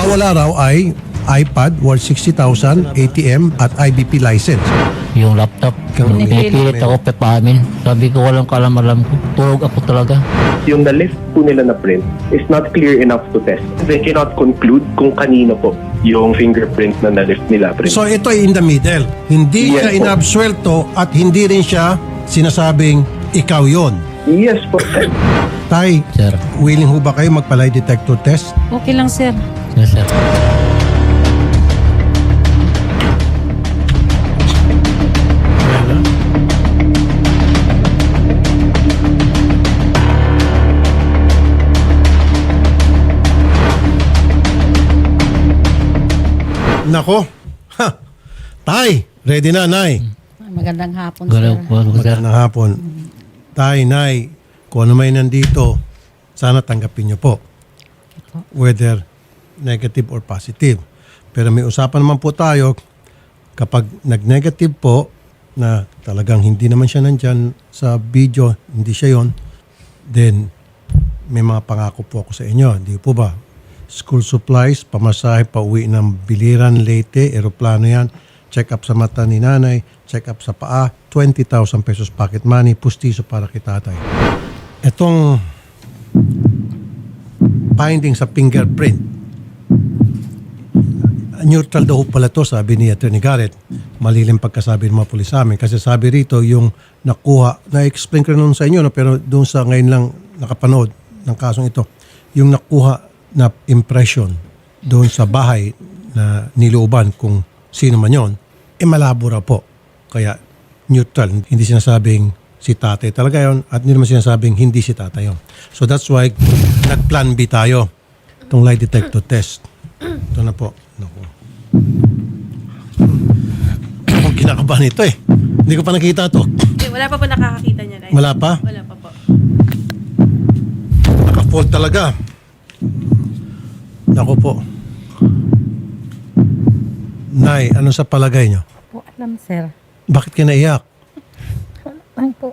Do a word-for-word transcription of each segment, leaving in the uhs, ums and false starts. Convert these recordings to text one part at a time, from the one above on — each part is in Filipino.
nawala raw ay iPad worth sixty thousand, A T M at I B P license. Yung laptop, Kang- pinipilit ako papamin. Sabi ko walang kalam-alam ko. Tulog ako talaga. Yung the list po nila na print is not clear enough to test. They cannot conclude kung kanino po yung fingerprint na na-list nila print. So ito ay in the middle. Hindi Yes siya po. inabsuelto at hindi rin siya sinasabing ikaw yon. Yes po, sir. Tay, Sir, willing ho ba kayo magpa-lie detector test? Okay lang, sir. yes, sir. Nako. Ha. Tay, ready na, Nay. Magandang hapon, Galaw sir. po ako, sir. Magandang hapon. Tay, Nay, kung ano may nandito, sana tanggapin niyo po. Whether negative or positive. Pero may usapan naman po tayo, kapag nag-negative po, na talagang hindi naman siya nandyan sa video, hindi siya yon, then may mga pangako po ako sa inyo. Hindi po ba? School supplies, pamasahe, pauwi ng Biliran, Leyte, eroplano yan, check up sa mata ni nanay, check up sa paa, twenty thousand pesos pocket money, pustiso para kay tatay. Itong finding sa fingerprint, neutral daw pala to, sabi ni Attorney Garrett. Malilim pagkasabi ng mga pulis sa amin. Kasi sabi rito, yung nakuha, na-explain ko na sa inyo, no, pero doon sa ngayon lang nakapanood ng kasong ito, yung nakuha na impression doon sa bahay na nilooban kung sino man yon, eh malabo raw po. Kaya neutral, hindi sinasabing si tatay talaga yon at hindi naman sinasabing hindi si tatay yon. So that's why nag-plan B tayo itong lie detector test. Ito na po. Naku. Ako kinakabahan ito eh. Hindi ko pa nakita to. Eh, wala pa po nakakakita niya. Nay. Wala pa? Wala pa po. Naka-fold talaga. Naku po. Nay, ano sa palagay nyo? Po, alam, sir. Bakit ka naiyak? Ay po.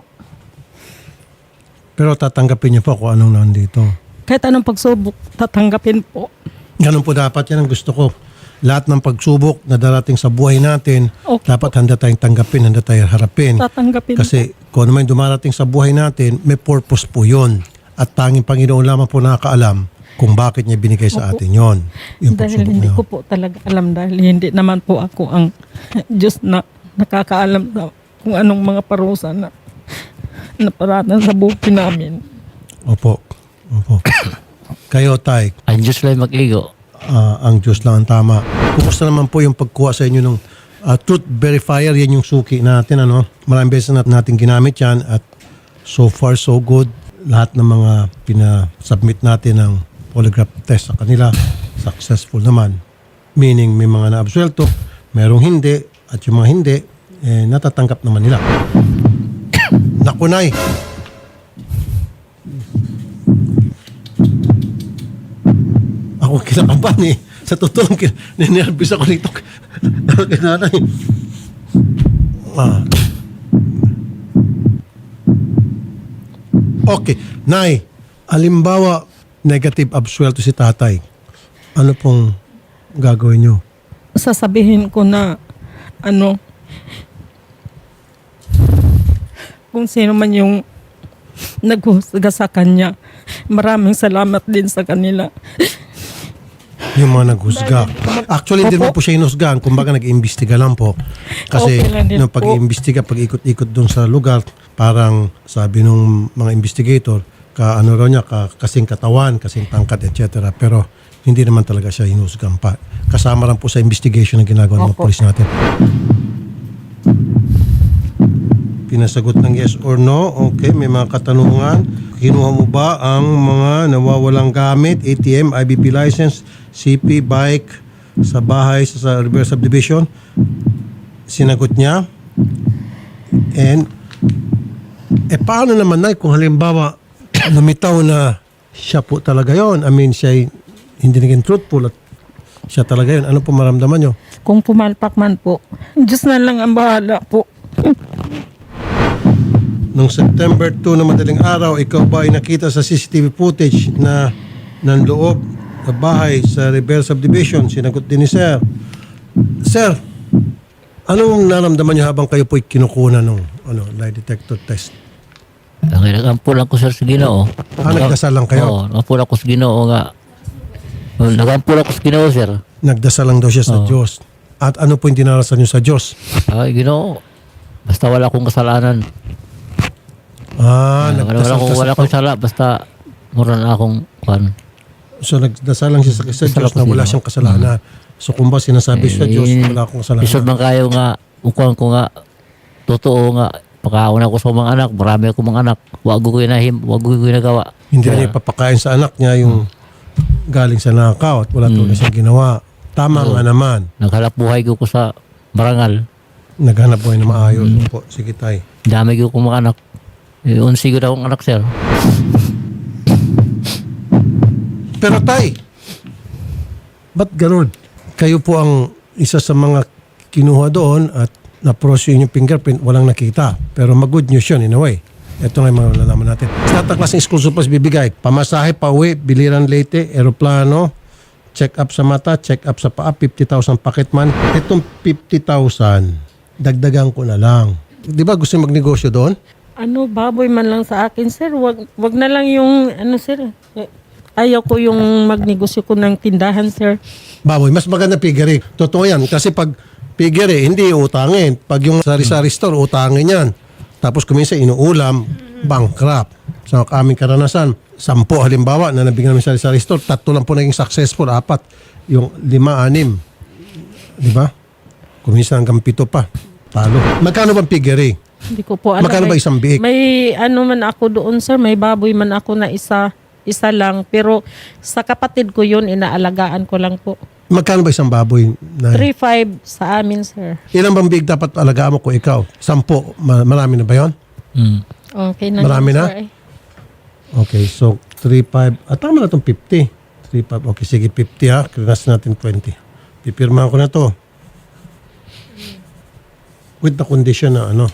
Pero tatanggapin niyo po kung anong nandito. Kahit anong pagsubok, tatanggapin po. Ganun po dapat, yan ang gusto ko. Lahat ng pagsubok na darating sa buhay natin, Okay. dapat handa tayong tanggapin, handa tayong harapin. Tatanggapin Kasi kung ano man yung dumarating sa buhay natin, may purpose po yun. At tanging Panginoon lamang po nakakaalam kung bakit niya binigay sa atin yon. Yung dahil pagsubok hindi na ko yun. po talaga alam dahil hindi naman po ako ang Diyos na nakakaalam sa kung anong mga parusa na naparatan sa buhay namin. Opo. Opo. Kayo, Tay, Ang Diyos lang mag-igo. ah, ang Diyos lang ang tama. Kumusta naman po yung pagkuha sa inyo ng ah, truth verifier? Yan yung suki natin. Ano? Maraming beses na natin ginamit yan at so far so good. Lahat ng mga pinasubmit natin ng polygraph test sa kanila, successful naman. Meaning may mga naabsuelto, merong hindi, at yung mga hindi, eh, natatanggap naman nila. Nakunay. Ako kinakabahan eh. Sa totoo, ninervous ako nito. Kaya nanay. Ah. Okay. Nay, alimbawa, negative absuelto si tatay. Ano pong gagawin nyo? Sasabihin ko na ano kung sino man yung naghusga sa kanya. Maraming salamat din sa kanila. Yung mga naghusga. Actually, hindi Opo. naman po siya hinusgahan. Kumbaga, nag-iimbestiga lang po. Kasi, Okay lang din nung po. pag-iimbestiga, pag-ikot-ikot doon sa lugar, parang sabi nung mga investigator, ka ano raw niya, ka, kasing katawan, kasing tangkad, et cetera. Pero, hindi naman talaga siya hinusgahan pa. Kasama lang po sa investigation na ginagawa ng mga Opo. polis natin. Pinasagot ng yes or no. Okay, may mga katanungan. Kinuha mo ba ang mga nawawalang gamit, A T M, I B P license, C P, bike, sa bahay, sa, sa reverse subdivision? Sinagot niya. And, eh paano naman na kung halimbawa lumitaw na siya po talaga yon? I mean, siya hindi naging truthful at siya talaga yon. Ano po maramdaman nyo? Kung pumalpak man po, Diyos na lang ang bahala po. Noong September second na madaling araw, ikaw ba ay nakita sa C C T V footage na ng loob sa bahay sa Rivera Subdivision. Sinagot din ni Sir. Sir, anong naramdaman niyo habang kayo po'y kinukunan ng ano, lie detector test? Ang nagampulan ko sir sa Ginoo. Ah, nagdasal lang kayo? Oo, nagampulan ko sa Ginoo nga. Nagampulan ko sa Ginoo sir. Nagdasal lang daw siya sa Oo. Diyos. At ano po yung dinarasan niyo sa Diyos? Ay, Ginoo. Basta wala akong kasalanan. Ah, wala, wala, nagdasal akong, ka wala sa akong sala. Basta mura na akong kwan. So nagdasal lang siya sa, sa Dasal Diyos ako na wala sila. siyang kasalanan. So kung ba sinasabi sa Diyos, Eh, wala akong kasalanan. Isod man kayo nga, ukuan ko nga, totoo nga, pagkauna ko sa mga anak, marami ako mga anak, wag ko inahim, wag ko ginagawa. Hindi na Kaya, niya ipapakain sa anak niya yung galing sa nakaw at wala mm. siyang ginawa. Tama Oo. nga naman. naghalap buhay ko ko sa barangal. Naghanap buhay na maayos. Po, sige tay. Dami ko kong mga anak. Eh, unsi ko daw akong anak sir. Pero tay, ba't ganun? Kayo po ang isa sa mga kinuha doon at na-process yung fingerprint, walang nakita. Pero mag-good news yun in a way. Ito nga yung mga nalaman natin. Sa tatang klaseng school supplies bibigay. Pamasahe, pauwi, biliran late, aeroplano, check up sa mata, check up sa paa, fifty thousand pocket man. Itong fifty thousand, dagdagan ko na lang. Di ba gusto yung magnegosyo doon? Ano, baboy man lang sa akin, sir. Wag, wag na lang yung, ano, sir. Eh, Ayaw ko yung magnegosyo ko ng tindahan, sir. Baboy, mas maganda piggery. Totoo yan. Kasi pag piggery, hindi utangin. Pag yung sari-sari store, utangin yan. Tapos kuminsan inuulam, bankrupt. Sa aming karanasan, sampo halimbawa na nabigyan namin sari-sari store, tatlo lang po naging successful, apat. Yung lima, anim. Di ba? Kuminsan hanggang pito pa. Talo. Magkano bang piggery? Hindi ko po alam. Magkano ba May- isang biik? May ano man ako doon, sir. May baboy man ako na isa. Isa lang. Pero sa kapatid ko yun, inaalagaan ko lang po. Magkano ba isang baboy? Na, three five sa amin, sir. ilang bang biik dapat alagaan mo kung ikaw? Sampo. Ma- marami na ba yun? Mm. Okay na. Marami yun, na? sir, eh. Okay, so three five. Ah, tama na itong fifty. three five. Okay, sige, fifty ha. Krinas natin twenty. Pipirmahan ko na to. With the condition na ano.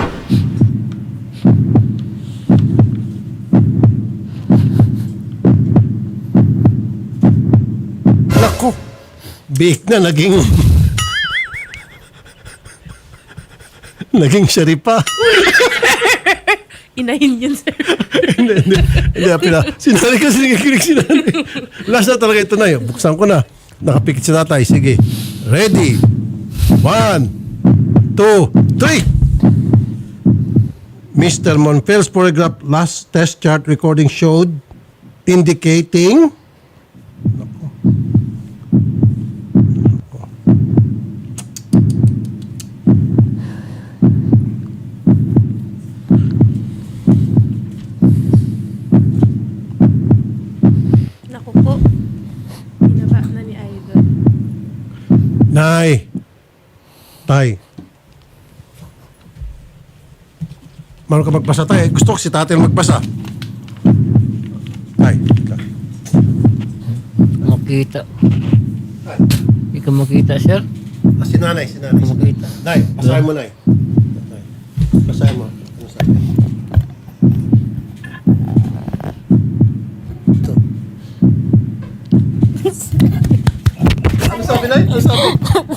Nako. Big na naging naging sharipa. Inahin yun, sir. Hindi, hindi. Hindi, pina. Sinari kasi nakikinig sinari. Last na talaga ito na yun. Buksan ko na. Nakapikit si tatay. Sige. Ready. One, two, three. Mister Monfils polygraph last test chart recording showed indicating Naku po. Binaba na ni Idol. Nay. Tay. Marunong ka magbasa, tay. Gusto ko si tatay magbasa. Tay. ka. Makita. Hindi ka makita sir. Ah, si nanay, si nanay. Hindi ka makita. Nay, basahin mo, Nay. Nay. Basahin mo. Ano sabi? Ito. Ano sabi, Nay? Ano sabi?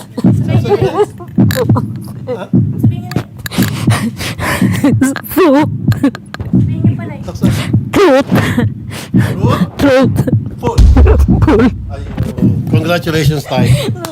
Sabihin niyo pa na. Taksa. Truth. Root? Truth. Full. Ayun. Congratulations, Tay.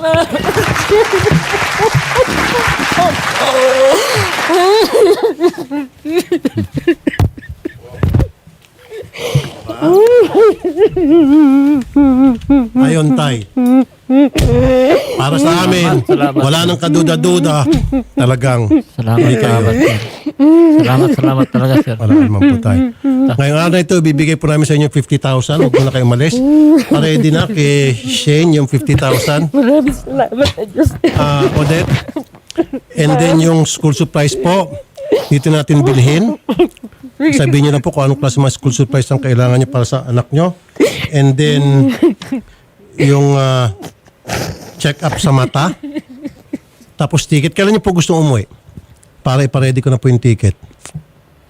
Ayon, Tay. Para sa amin, Salamat. wala nang kaduda-duda. Talagang Salamat, Hindi kayo. salamat sir. Salamat, salamat talaga sir. wala naman po tayo. Ngayong araw na ito, bibigay po namin sa inyo fifty thousand. Huwag mo na kayo malis. Ready na kay Shane yung fifty thousand. Maraming salamat sa Diyos. Ah, Odette. And then yung school supplies po, dito natin bilhin. Sabihin niyo na po kung anong klase mga school supplies ang kailangan niyo para sa anak niyo. And then, yung ah, check up sa mata. Tapos ticket. Kailan niyo po gusto umuwi? Para iparedy ko na po yung ticket.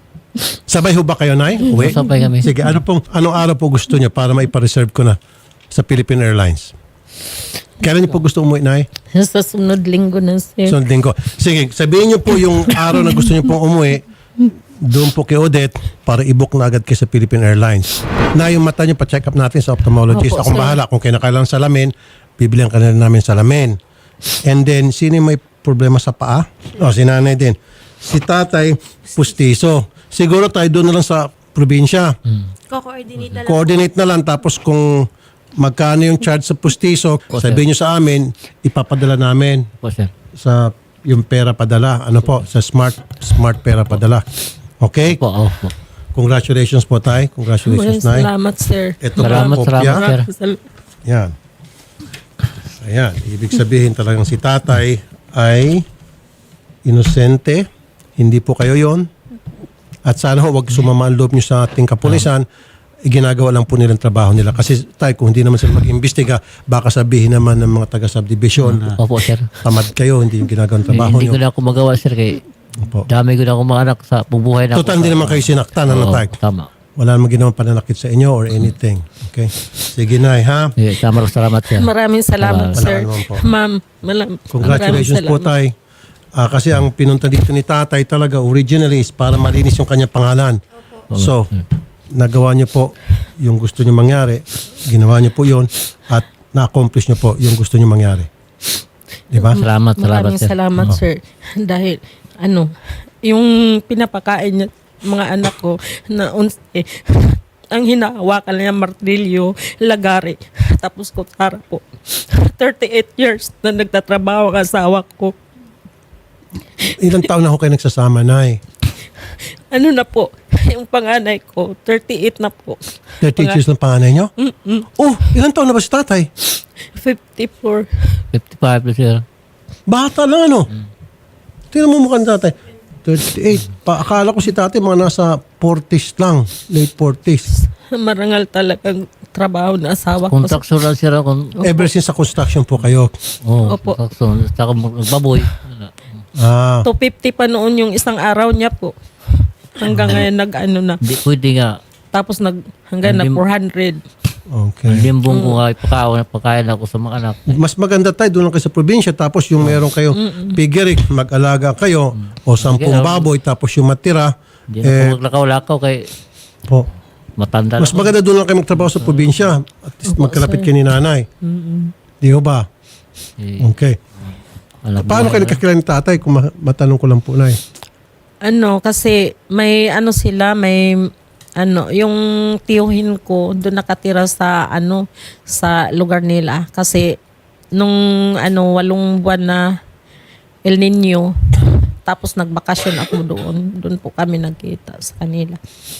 Sabay ho ba kayo, Nay? Uwi? Sabay kami. Sige, ano pong, anong araw po gusto niyo para maipareserve ko na sa Philippine Airlines? Kailan niyo po gusto umuwi, Nay? Sa sunod linggo na, sir. Sunod linggo. Sige, sabihin niyo po yung araw na gusto niyo pong umuwi, doon po kay Odette para i-book na agad kayo sa Philippine Airlines. Na yung mata niyo, pa-check up natin sa ophthalmologist. Opo, Akong sir. bahala. Kung kinakailangan salamin, bibilihan ka na rin namin salamin. And then, sino yung may problema sa paa? O, si nanay din. Si tatay, pustiso. Siguro tayo doon na lang sa probinsya. Ko-coordinate na lang. Coordinate na lang. Tapos kung magkano yung charge sa pustiso, Opo, sir. sabihin nyo sa amin, ipapadala namin Po, sir. sa yung pera padala. Ano po? Sa smart smart pera padala. Okay? Po, oh, po. Congratulations po, tay. Congratulations, nay. Salamat, sir. Ito po Salamat, ang kopya. salamat, sir. Sal- Yan. Ayan. Ibig sabihin talagang si tatay ay inosente. Hindi po kayo yon. At sana ho, wag sumama ang loob nyo sa ating kapulisan. Ginagawa lang po nilang trabaho nila. Kasi tay, kung hindi naman sila mag-imbestiga, baka sabihin naman ng mga taga-subdivision, Opo, sir. tamad kayo, hindi yung ginagawang Eh, trabaho hindi ko nyo. na ako magawa, sir. Kay Opo. dami ko na akong mga anak sa bubuhay na Total, hindi naman kayo sinaktan, ano Oo, tay? tama. Wala namang ginawang pananakit sa inyo or anything. Okay? Sige, nay, ha? Eh, tama rin, salamat, sir. Maraming salamat, Wala sir. naman po. Ma'am, malam- Congratulations maraming po, salamat. tay. Ah, kasi ang pinunta dito ni tatay talaga originally is para malinis yung kanyang pangalan. So, nagawa niyo po yung gusto niyo mangyari. Ginawa niyo po yun at na-accomplish niyo po yung gusto niyo mangyari. Di ba? Salamat, salamat, Maraming sir. salamat, Oo. sir. Dahil, ano, yung pinapakain niya, mga anak ko, na uns, eh, ang hinahawakan niya, martilyo, lagari, tapos kutsara po. thirty-eight years na nagtatrabaho ang asawa ko. Ilang taon na ako kayo nagsasama, nay? Ano na po, yung panganay ko, thirty-eight na po. thirty years ng panganay niyo? Oh, ilang taon na ba si tatay? fifty-four. fifty-five, sir. Bata lang, ano? Tingnan mo mukhang tatay. thirty-eight. Pa, akala ko si tatay mga nasa forties lang. Late forties. Marangal talagang trabaho na asawa ko. Contraction lang, sir. Kung, Ever since sa construction po kayo. oh, Opo. contraction. Saka magbaboy. Ah, two fifty pa noon yung isang araw niya po. Hanggang ngayon nag-ano na. Hindi pwede nga. Tapos nag, hanggang na Hindi- four hundred. Ang okay. limbong ko nga ipakaon, pakain ako sa mga anak. Mas maganda tayo, doon lang kayo sa probinsya, tapos yung meron kayo pigirik, mag-alaga kayo, o sampung Sige, baboy, tapos yung matira, Hindi na eh, ako maglakaw-lakaw kay po. matanda Mas na. maganda doon lang kayo magtrabaho sa probinsya, at least magkalapit kayo ni nanay. Di ho ba? Eh, Okay. alam mo Paano na- kayo nakakilala ni tatay, kung ma- matanong ko lang po, nay? Ano, kasi may ano sila, may ano, yung tiyuhin ko doon nakatira sa ano, sa lugar nila. Kasi nung ano, walong buwan na El Nino, tapos nagbakasyon ako doon. Doon po kami nagkita sa kanila.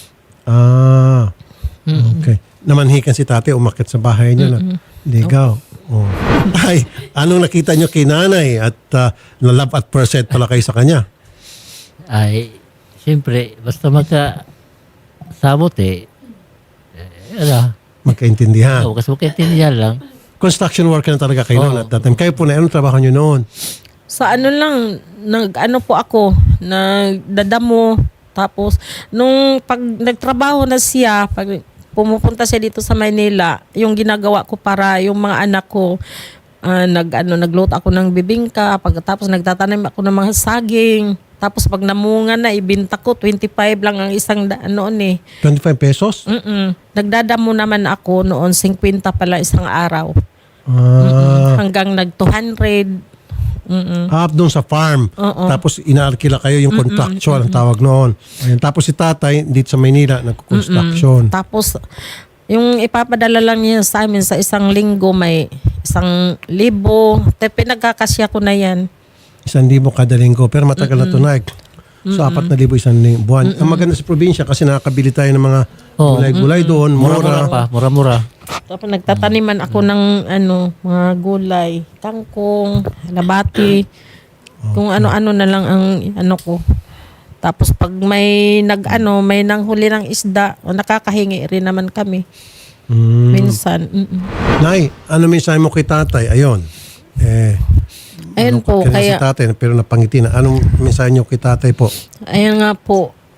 Ah, okay. Namanhikan si tatay, umakit sa bahay niyo na. Ligaw. Oh. Ay, anong nakita niyo kay nanay at uh, na-love at first sight pala kayo sa kanya? Ay, siyempre, basta magka sabot eh. Eh, ano, Magkaintindihan. oh, kasi magkaintindihan lang. Construction worker na talaga kayo noon Oo. at that time. Kayo po na, anong trabaho niyo noon? Sa ano lang, nag ano po ako, nagdadamo. Tapos, nung pag nagtrabaho na siya, pag pumupunta siya dito sa Maynila, yung ginagawa ko para yung mga anak ko, ah, nag, ano, nagluto ako ng bibingka, pagkatapos nagtatanim ako ng mga saging. Tapos pag namunga na, ibinta ko, twenty-five lang ang isang da, noon eh. twenty-five pesos? Mm-mm. Nagdadamo naman ako noon, fifty pala isang araw. Ah, Hanggang nag two hundred. Mm-mm. up doon sa farm. Oo. Tapos inaarkila kayo yung contractual ang tawag noon. Ayun. Tapos si tatay dito sa Maynila nagko-construction. Tapos, yung ipapadala lang niya sa amin sa isang linggo, may isang libo. Te, pinagkakasya ko na yan. Isang libo kada linggo. Pero matagal na tunay. So, apat na libo isang ling- buwan. Ang maganda sa probinsya kasi nakakabili tayo ng mga Oo. gulay-gulay doon. Mura-mura Mura. pa, mura-mura. Tapos nagtataniman ako ng ano, mga gulay, kangkong, labati, kung ano-ano na lang ang ano ko. Tapos pag may nag-ano, may nanghuli ng isda, o nakakahingi rin naman kami. Mm. Minsan. Mm-mm. Nay, ano mensahe mo kay tatay? Ayun. Eh, Ayun ano, po, kaya kaya, si tatay, pero napangiti na. Anong mensahe niyo kay tatay po? ayun nga po,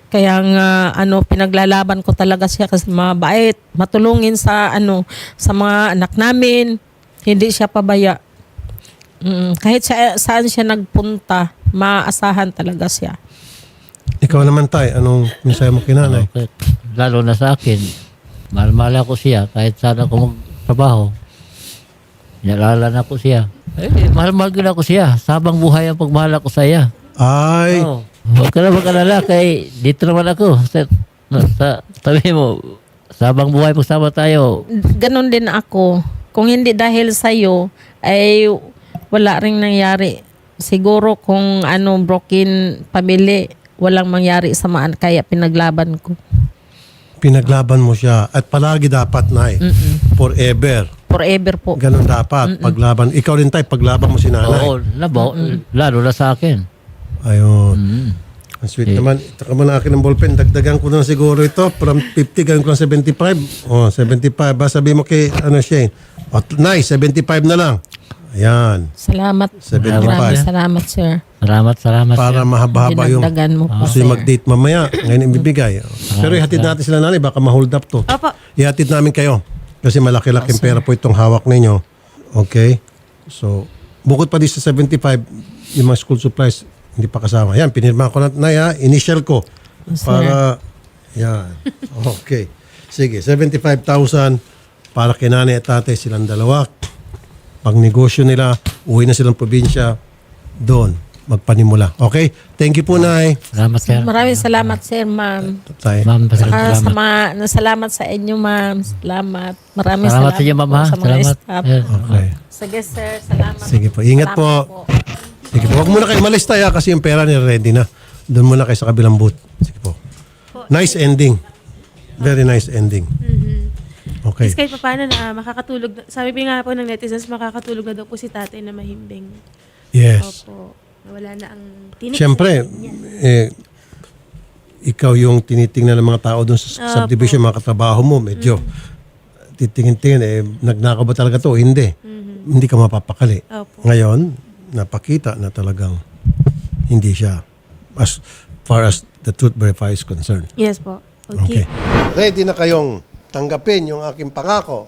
Kaya nga ano pinaglalaban ko talaga siya kasi mabait, matulungin sa ano sa mga anak namin. Hindi siya pabaya. Mm, kahit sa, saan siya nagpunta, maasahan talaga siya. Ikaw naman tay, anong mensahe mo kay nanay? Okay. Lalo na sa akin, mahal-mahal ako siya kahit saan ako magtrabaho. Nalala na ko siya. Eh, mahal-mahal ko na ako siya. Sabang buhay ang pagmahal ako sa iya. Ay, Oh. Huwag ka na mag-alala kay dito naman ako. Sa, sa tabi mo, sabang buhay pagsama tayo. Ganon din ako. Kung hindi dahil sa'yo, ay wala ring nangyari. Siguro kung ano, broken family, walang mangyari sa maan, kaya pinaglaban ko. pinaglaban mo siya. At palagi dapat, nay. Forever. Forever po. Ganun dapat. Paglaban. Ikaw rin tay, paglaban mo si nanay. Oo, labo, lalo na sa akin. Ayun. Mm. Ang sweet naman. Itaka mo na akin ng ballpen. Dagdagan ko na siguro ito. From fifty, gawin ko ng seventy-five. Oh, seventy-five. Ba, sabi mo kay, ano siya, oh, nice, seventy-five na lang. Ayan. Salamat. seventy-five. Maraming salamat, sir. Salamat, salamat. Para sir. mahaba-haba yung Dinagdagan mo po, gusto sir. yung mag-date mamaya. Ngayon ibibigay. Pero ihatid natin sila nanay. Baka ma-hold up to. Opo. Ihatid namin kayo. Kasi malaki-laking pera po itong hawak ninyo. Okay? So, bukod pa di sa seventy-five, yung mga school supplies, hindi pa kasama. Yan, pinirma ko na, nay ha, initial ko. Para, yan. Okay. Sige, seventy-five thousand para kay nanay at tatay silang dalawa. Pag negosyo nila, uwi na silang probinsya, doon, magpanimula. Okay? Thank you po, nay. Salamat, sir. Maraming salamat, sir, ma'am. Tay. Ma'am, Ah, sa salamat. mga, salamat sa inyo, ma'am. Salamat. Maraming Salamat salamat, sa inyo, ma'am, po ha? sa mga Salamat. staff. Yes. Okay. Sige, sir. Salamat. Sige po. Ingat Salamat po. Sige po. Huwag muna kayo malis tayo ha, kasi yung pera niya ready na. Doon muna kayo sa kabilang booth. Sige po. Nice ending. Very nice ending. Okay. Kasi kahit pa paano na makakatulog, na- sabi pa nga po ng netizens, makakatulog na daw po si tatay na mahimbing. Yes. Opo. Wala na ang tinik. Siyempre, eh, ikaw yung tinitingnan ng mga tao doon sa subdivision, mga katrabaho mo, medyo titingin-tingin, eh, nagnakaw ba talaga to? Hindi. Hindi ka mapapakali. Opo. Ngayon, napakita na talagang hindi siya as far as the truth verifier is concerned. Yes po. Okay. Okay. Ready na kayong tanggapin yung aking pangako?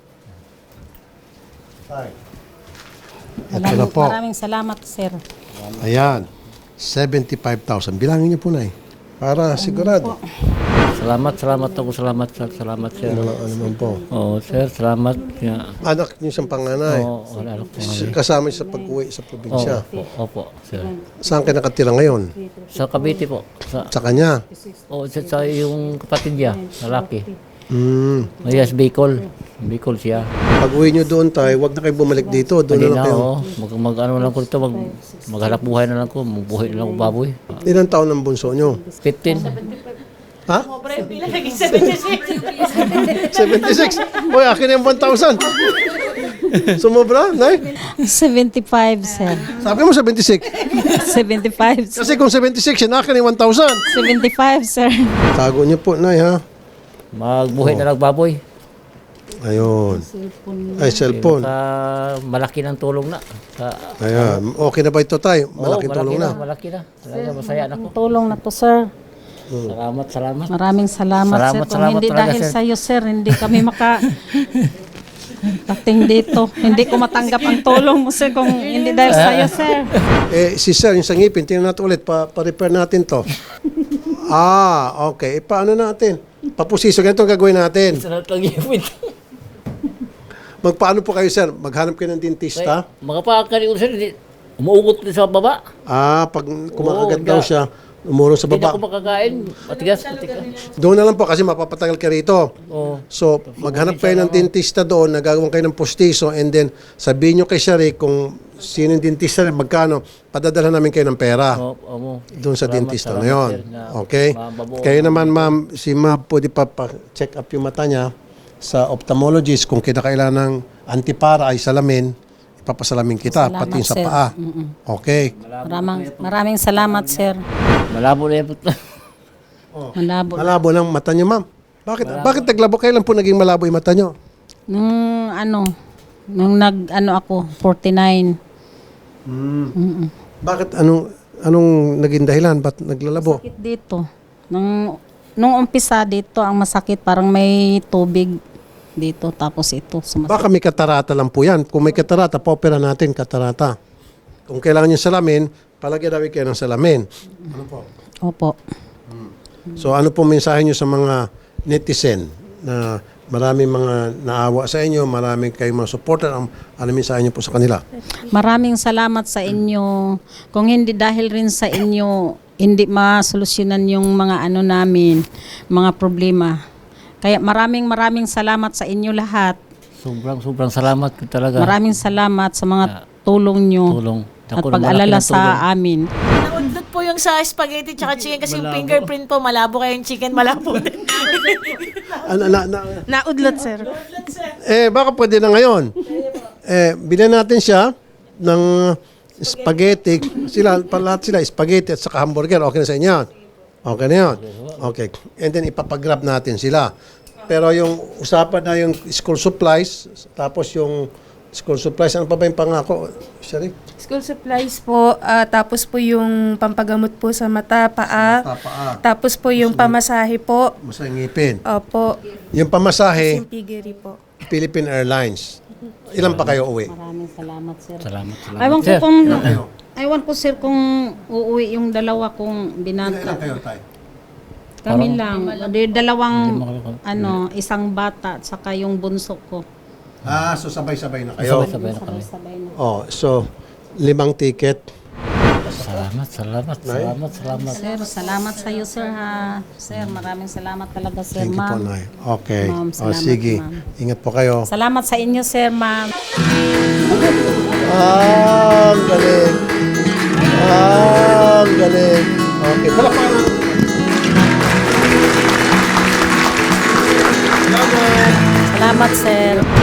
Ay. Ito na po. Maraming salamat, sir. Ayan. seventy-five thousand. Bilangin niyo po na eh. Para sigurado. Salamat, salamat ako. Salamat, sir. Salamat, sir. Ano naman po. Oo, sir. Salamat. Yeah. Anak niyo siyang panganay. Oo, wala ako. Kasama niyo sa pag-uwi sa probinsya. Opo, opo, sir. Saan kayo nakatira ngayon? Sa Cavite po. Sa, Sa kanya. oh, sa, sa yung kapatid niya, lalaki. Hmm. Yes, Bicol. Bicol siya. Pag-uwi niyo doon tayo, wag na kayo bumalik dito. Doon na Hindi lang na, kayo. oh. Mag, mag, ano lang ko dito, mag, maghanap buhay na lang ko. Magbuhay na lang ko baboy. Ilang taon ang bunso niyo? fifteen. Ha? seventy-six. Uy, akin yung one thousand. Sumobra, Nay? seventy-five, sir. Sabi mo seventy-six. seventy-five. Kasi kung seventy-six, yun akin yung one thousand. seventy-five, sir. Tago niyo po, Nay, ha? Magbuhay na lang baboy. Ayun. Ay, cellphone. Sa malaki ng tulong na. Sa, Ayan. Okay na ba ito, Tay? Oo, Malaking tulong na. Malaki na. Talaga, masaya na ko. Tulong na to, sir. Salamat, salamat. Maraming salamat, Salamat, sir. Kung salamat hindi talaga, dahil sir. sa iyo, sir, hindi kami maka dating dito. Hindi ko matanggap ang tulong mo, sir, kung hindi dahil sa iyo, sir. Eh, si Sir, yung sa ngipin, tingnan natin ulit. Pa, pa-repair natin to. Ah, okay. E, paano natin? Papusiso. Ganito ang gagawin natin. Salamat lang yun. Magpaano po kayo, Sir? Maghanap kayo ng dentista? Mga pakakari ko, sir, hindi- umuugot din sa baba. Ah, pag kumakagat Oo, daw hindi. siya, umuro sa Hindi na ako baba. makakain. Matigas, matigas. Doon na lang po kasi mapapatagal ka rito. Oo. So, maghanap kayo ng dentista doon, nagagawan kayo ng postiso, and then sabihin nyo kay Shari kung sino yung dentista, magkano, padadala namin kayo ng pera. Oo, oo. Doon sa Salamat, dentista na salamat, yon. sir, na Okay? mababuo. Kayo naman, ma'am, si ma'am, pwede pa pa-check up yung mata niya sa ophthalmologist. Kung kinakailangan ng antipara ay salamin, ipapasalamin kita, Salamat, pati yung sa sir. paa. Okay? Maraming, maraming salamat, sir. Malabo na yung Malabo. Malabo ng mata niyo, ma'am. Bakit bakit naglabo? Kailan po naging malabo yung mata niyo? Nung ano, nung nag, ano ako, forty-nine. Bakit anong anong naging dahilan? Ba't naglalabo? Sakit dito. Nung, nung umpisa dito, ang masakit, parang may tubig dito, tapos ito, sumasakit. Baka may katarata lang po yan. Kung may katarata, pa-opera natin katarata. Kung kailangan yung salamin, palagyan namin kayo ng salamin. Ano po? Opo. So ano po mensahe nyo sa mga netizen na maraming mga naawa sa inyo, maraming kayong mga supporter, ang ano mensahe nyo po sa kanila? Maraming salamat sa inyo. Kung hindi dahil rin sa inyo, hindi masolusyonan yung mga ano namin, mga problema. Kaya maraming maraming salamat sa inyo lahat. Sobrang sobrang salamat ko talaga. Maraming salamat sa mga tulong nyo Tulong. at Ako na pag-alala malaki ng tulong. sa amin. Naudlot po yung sa spaghetti tsaka chicken kasi yung fingerprint po, malabo kayo yung chicken, malabo din. Ano, na, na, Naudlot, sir. eh, baka pwede na ngayon. Eh, bilhin natin siya ng spaghetti. Sila, lahat sila, spaghetti at saka hamburger. Okay na sa inyo yan? Okay na yun? Okay. And then ipapagrab natin sila. Pero yung usapan na yung school supplies, tapos yung school supplies, ano pa ba yung pangako? Shari? School supplies po, ah, tapos po yung pampagamot po sa mata, paa, Sa mata, paa. tapos po yung pamasahe po, Masayang ngipin. opo, Yung pamasahe, yung piggery po. Philippine Airlines. Ilan pa kayo uwi? Maraming salamat, sir. Salamat, salamat. Aywan ko Sir, kung, aywan ko, sir, kung uuwi yung dalawa kong binata. kayo, tay? Kami lang. Di- Dalawang, Hindi ano, isang bata at saka yung bunso ko. Ah, so sabay-sabay na kayo. sabay-sabay na kami. Sabay na. Oh, so limang ticket. Salamat, salamat, salamat, salamat. Sir, salamat sa iyo, sir, ha. Sir, maraming salamat talaga, sir, Thank you po, ma'am. Nay. Okay. Ma'am, Oh, salamat, sige. ma'am. Ingat po kayo. Salamat sa inyo, sir, ma'am. Ah, ang galing. Ah, ang galing. Okay. Palakpakan natin. Salamat, sir.